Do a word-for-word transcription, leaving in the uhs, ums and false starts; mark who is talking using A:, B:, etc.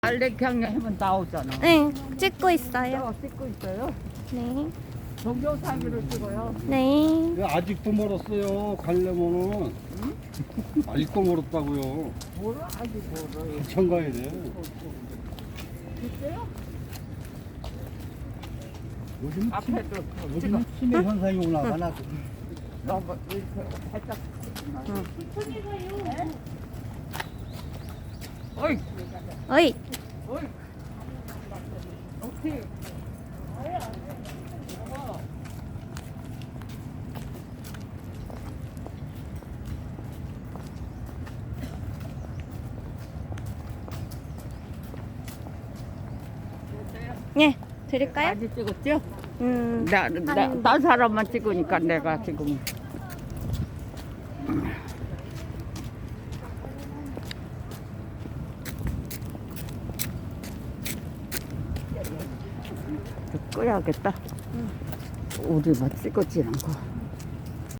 A: 알렉향 하면 나오잖아.
B: 네, 찍고 있어요.
A: 어, 찍고 있어요.
B: 네.
A: 동영상으로 찍어요.
B: 네.
C: 야, 아직도 멀었어요. 가려면은 아직도 멀었다고요.
A: 뭐를 아직 뭐를.
C: 한참 가야 돼.
A: 있어요?
C: 요즘
A: 앞에도
C: 요즘 치매 현상이 오나 봐. 나
A: 너무 이렇게 살짝.
B: 응.
A: 어이,
B: 어이.
A: 어이. 오케이.
B: 예, 드릴까요?
A: 많이 찍었죠?
B: 음.
A: 나, 나, 나 사람만 찍으니까 내가 지금. 끄야겠다. 우리만 찍었지 않고.